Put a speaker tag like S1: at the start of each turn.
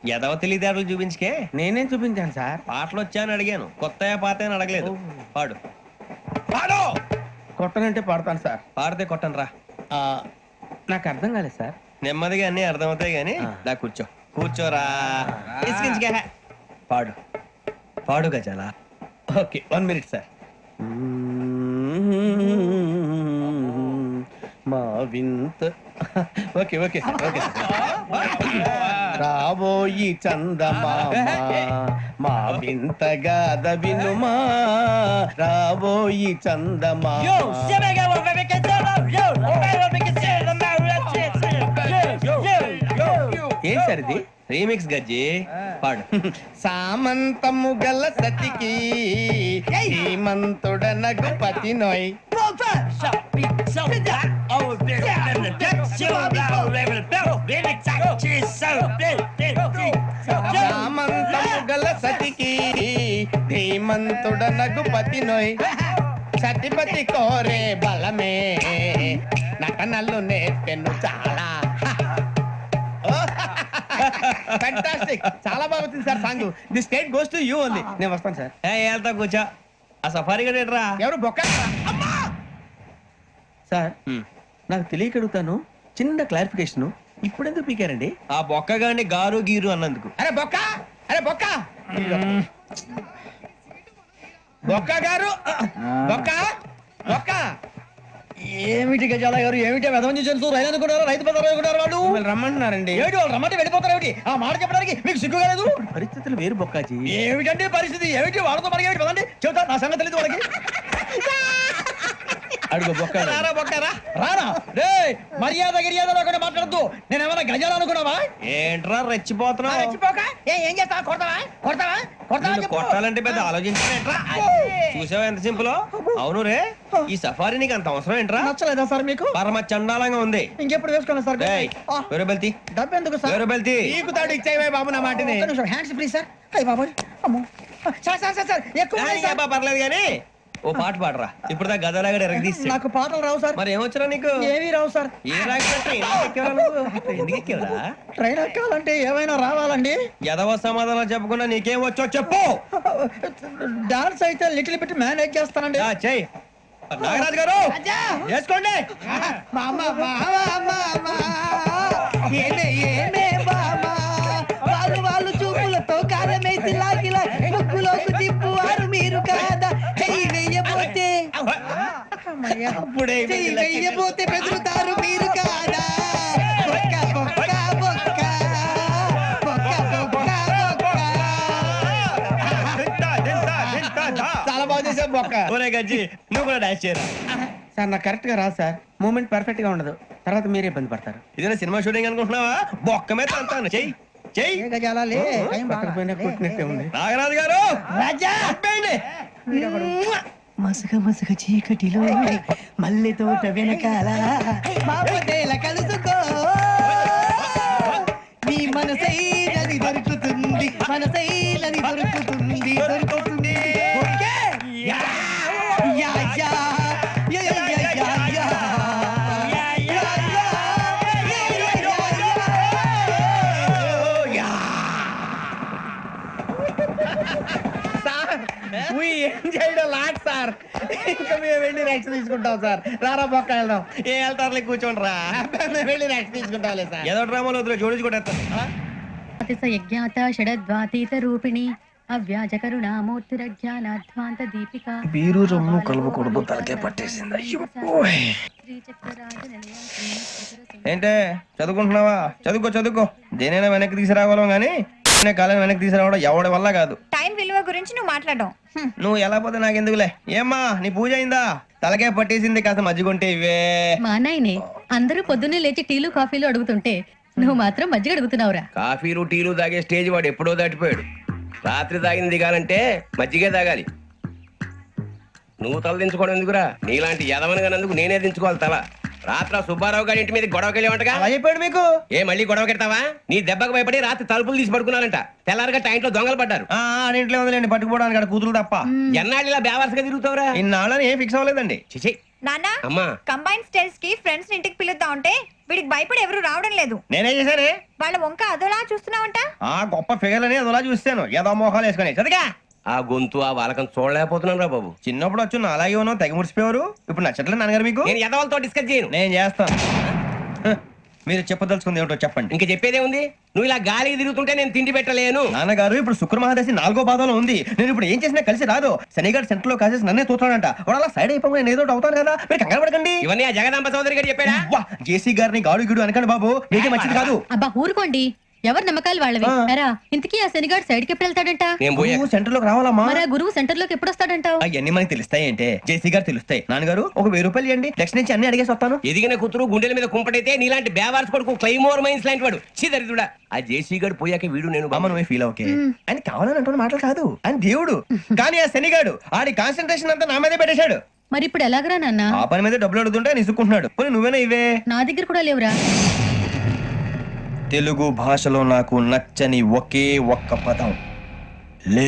S1: ఎదవ తెలివితేటలు చూపించుకే.
S2: నేనేం చూపించాను సార్?
S1: పాటలు వచ్చా అని అడిగాను, కొత్త పాత అని అడగలేదు. పాడు పాడు.
S2: కొట్టనంటే పడతాను సార్.
S1: పాడితే కొట్టను రా.
S2: నాకు అర్థం కాలేదు సార్.
S1: నెమ్మదిగా అన్ని అర్థమవుతాయి గానీ దా కూర్చో. కూర్చోరా. ఇసుకించుకే. పాడు పాడు గజాల.
S2: Okay 1 minute sir. మా వింత ఓకే ఓకే ఓకే రాబోయి చందమామ మా వింత గాథ వినుమా, రాబోయి చందమామ. ఏం సార్ ఇది?
S1: రీమిక్స్ గజ్జి. పాడు.
S2: సామంతము గల సతికి శ్రీమంతుడనగు పతి నోయ్. సామంతము గల సతికి ధీమంతుడనగు పతి నోయ్. సతిపతి కోరే బలమే నటనలు నేర్పెను చాలా. ఫ్యాంటాస్టిక్, చాలా బాగా వచ్చింది sir song. The state goes to you only. నేను వస్తాను సార్.
S1: వెళ్తా కూర్చో. ఆ సఫారీ గడేట్రా.
S2: ఎవరు బొక్క సార్? నాకు తెలియక అడుగుతాను, చిన్న క్లారిఫికేషన్. ఇప్పుడెందుకు పీకారండి?
S1: ఆ బొక్కగాని గారు గీరు అన్నందుకు.
S2: అరే బొక్క, అరే బొక్క, బొక్క గారు, బొక్క బొక్క.
S3: ఏమిటి గజాల గారు, ఏమిటి వెదవని జంతువు రైలు అనుకున్నారు, రైతు పెద్దలు అనుకున్నారు. వాళ్ళు
S2: రమ్మంటున్నారండి.
S3: ఏమిటి వాళ్ళు రమ్మంటే వెళ్ళిపోతారు? ఏమిటి ఆ మాట చెప్పడానికి మీకు సిగ్గు కాలేదు?
S2: పరిస్థితులు వేరు బొక్కాజీ.
S3: ఏమిటంటే పరిస్థితి? ఏమిటి వాళ్ళతో మనకి ఏమిటి పదండి చెబుతా, నా సంగతి తెలియదు వాళ్ళకి.
S2: అడుగు బొక్క.
S1: రారా బొక్కరా.
S3: రానా రే, మర్యాద గిర్యాద లేకుండా మాట్లాడద్దు. నేను ఏమైనా గజాలు అనుకున్నావా?
S1: ఏంట్రా రెచ్చిపోతున్నావు?
S3: ఏం చేస్తావా? కొడతావా కొడతావా కొడతావా
S1: నిన్ను కొట్టాలంటే పెద్ద ఆలోచించానేట్రా. చూసావా ఎంత సింపుల్. అవును రే, ఈ సఫారీ నీకు అంత అవసరం ఏంట్రా?
S3: నచ్చలేదా సార్ మీకు?
S1: పరమ చండాలంగా ఉంది.
S3: ఇంకెప్పుడు వేసుకోండి సార్.
S1: వేరే బెల్తి,
S3: డబ్బు ఎందుకు సార్?
S1: వేరే బెల్తి.
S2: నీకు తాడు ఇచ్చేవే బాబు నా మాటని.
S3: Hands free sir. అయ్యి బాబు, అమ్మో సార్ సార్ సార్ సార్ ఎక్కువ ఉన్నాయి సార్.
S1: పర్లేదు కానీ ఓ పాట పాడరా. ఇప్పుడు దా గదలాగడ ఎరగ తీసి.
S3: నాకు పాటలు రావు సార్.
S1: మరి ఏమొచ్చరా నీకు?
S3: ఏమీ రావు సార్.
S1: ఏ రాకపోతే ఎందుకు ఎక్కేవరా?
S3: ట్రైన్ ఎక్కాలంటే ఏమైనా రావాలండి.
S1: ఎదవ సమాధానం చెప్పకుండా నీకేం వచ్చో చెప్పు.
S3: డాన్స్ అయితే లిటిల్ బిట్ మేనేజ్ చేస్తానండి.
S1: చెయ్యి. నాగరాజు గారు వేసుకోండి.
S3: వాళ్ళు వాళ్ళు చూపులతో కారమేసి లాగిలా ముక్కులోకి తిప్పువారు మీరు కాదా? చెయ్యి వెయ్యబోతే చెయ్యి వెయ్యబోతే బెదురుతారు మీరు కాదా? బొక్క బొక్క బొక్క బొక్క బొక్క.
S2: చాలా బాగా చేసావు బొక్క.
S1: ఒరే గజ్జి, నువ్వు కూడా డాన్స్ చేయరా.
S2: సార్ నాకు కరెక్ట్ గా రాదు సార్. మూమెంట్ పర్ఫెక్ట్ గా ఉండదు, తర్వాత మీరే ఇబ్బంది పడతారు.
S1: ఇదేనా సినిమా షూటింగ్ అనుకుంటున్నావా? బొక్క మీద అంతాను. చెయ్యి చెయ్యి.
S2: కొట్టినట్టే ఉంది.
S1: నాగరాజు గారు
S3: రాజా మసగ మసగ చీకటిలో మల్లె తోట వెనకాల మాపదేల కలుసుకో, నీ మనసైనది దొరుకుతుంది, మనసైనది దొరుకుతుంది దొరుకుతుంది. యా యా యా యా యా యా యా.
S2: సార్ ఇంకా మేము వెళ్ళి రెక్స్ తీసుకుంటాం సార్. రారా బొక్క వెళ్దాం.
S1: ఏ వెళ్తారులే, కూర్చోండి రా.
S2: మేము వెళ్ళి రెక్స్ తీసుకుంటాం సార్.
S1: ఏదో డ్రామాలో వద్దులే, జోడించుకుంటా.
S4: యజ్ఞాత షడద్వాతీత రూపిణి అవ్యాజ కరుణామూర్తిరజ్ఞానాధ్వాంత దీపిక.
S1: బీరు రొమ్ము కలుపుకూడదు, తలకే పట్టేసింది. ఏంటే చదువుకుంటున్నావా? చదువుకో చదువుకో. దేనైనా వెనక్కి తీసుకురావాలం గానీ కాలం వెనక్కి తీసుకురావడం ఎవడి వల్ల కాదు.
S5: టైం విలువ గురించి నువ్వు మాట్లాడడం.
S1: నువ్వు ఎలా పోతే నాకెందుకులే. ఏమ్మా నీ పూజ అయిందా? తలకే పట్టేసింది, కాస్త మజ్జిగుంటే ఇవే.
S4: మా నాయనే అందరూ పొద్దున్నే లేచి టీలు కాఫీలు అడుగుతుంటే నువ్వు మాత్రం మజ్జిగ అడుగుతున్నావురా.
S6: కాఫీలు టీలు తాగే స్టేజ్ వాడు ఎప్పుడో దాటిపోయాడు. రాత్రి తాగింది దిగాలంటే మజ్జిగే తాగాలి. నువ్వు తల దించుకోవడం ఎందుకురా? నీలాంటి యదవనగానందుకు నేనే దించుకోవాలి తల. రాత్ర సుబ్బారావు గారి ఇంటి మీద గొడవకి వెళ్ళేవంటగా.
S1: అలా చెప్పాడు మీకు?
S6: ఏ మళ్ళీ గొడవ కెడతావా? నీ దెబ్బకు భయపడి రాత్రి తలుపులు తీసి పడుకున్నారంట. తెల్లారగా టైంట్లో దొంగలు పడ్డారు.
S1: ఇంట్లో ఉందిలేండి, పట్టుకుపోవడానికి కూతురు తప్ప.
S6: ఎన్నాళ్ళు ఇలా బేవర్స్గా తిరుగుతావురా?
S1: ఇన్నాళ్ళని ఏం ఫిక్స్ అవ్వలేదండి.
S6: చిచి,
S5: నాన్న
S6: అమ్మా
S5: కంబైన్ స్టైల్స్ కి ఫ్రెండ్స్ ఇంటికి పిలుద్దాం అంటే వీడికి భయపడి ఎవరు రావడం లేదు.
S1: నేనేం చేశానే?
S5: వాళ్ళ వంక అదోలా చూస్తున్నావంట.
S1: ఆ గొప్ప ఫిగర్ అని అదోలా చూస్తాను ఏదో మోహాలు వేసుకొని చదిగా.
S6: ఆ గొంతు ఆ వాలకం చూడలేకపోతున్నాను రా బాబు.
S1: చిన్నప్పుడు వచ్చి నా అలాగే ఉన్నావు తెగ ముడిచిపోయారు. ఇప్పుడు నచ్చట్లేదు నాన్నగారు మీకు?
S6: నేను ఎదవలతో డిస్కస్ చేయను.
S1: నేను చేస్తాను. హ, మీరు చెప్పదలుచుకుంది ఏమిటో చెప్పండి.
S6: ఇంక చెప్పేదే ఉంది. నువ్వు ఇలా గాలికి తిరుగుతుంటే నేను తిండి పెట్టలేను.
S1: నాన్నగారు ఇప్పుడు శుక్ర మహాదశి 4వ పాదంలో ఉంది. నేను ఇప్పుడు ఏం చేసినా కలిసి రాదు. శనిగారు సెంటర్ లో కాసేసి నన్నే చూస్తాడంట. వాడు అలా సైడ్ అయిపోయి నేను ఏదో ఒకటి అవుతాను కదా, మీరు కంగారు పడకండి.
S6: ఇవన్నీ ఆ జగదాంబ చౌదరి గారు చెప్పాడా?
S1: వా, జేసీ గారిని గాడు గిడు అనకండి బాబు, మీకే మంచిది కాదు.
S4: అబ్బా ఊరుకోండి, ఎవరి నమ్మకాలు వాళ్ళవి. ఎరా ఇంతకీ ఆ శనిగాడు సైడ్కి ఎప్పుడు వెళ్తాడంట?
S6: నేను పోయా.
S1: నువ్వు సెంటర్ లోకి రావాలమ్మా.
S4: మరి ఆ గురువు సెంటర్ లోకి ఎప్పుడు వస్తాడంటావు?
S1: అవన్నీ మనకి తెలుస్తాయి అంటే జేసీ గారు తెలుస్తాయి. నాన్నగారు ఒక 1000 రూపాయలు ఇవ్వండి, నెక్స్ట్ నుంచి అన్ని అడిగేసి వస్తాను.
S6: ఎదిగిన కూతురు గుండెల మీద కుంపటైతే నీలాంటి బేవార్స్ కొడుకు క్లైమోర్ మైన్స్ లాంటి వాడు చీదరిదుడా. ఆ జేసీ గారు పోయాక వీడు నేను
S1: అమ్మ నువ్వే ఫీల్ ఓకే. ఆయన కావాలని అంటున్న మాటలు కాదు, ఆయన దేవుడు. కానీ ఆ శనిగాడు ఆడి కాన్సన్ట్రేషన్ అంతా నా మీదే పెట్టేశాడు.
S4: మరి ఇప్పుడు ఎలాగరా నాన్న?
S1: ఆ పని మీద డబ్బులు అడుగుతుంటే నిసుకుంటున్నాడు. పోనీ నువ్వేనా ఇవే?
S4: నా దగ్గర కూడా లేవురా.
S1: తెలుగు భాషలో నాకు నచ్చని ఒకే ఒక్క పదం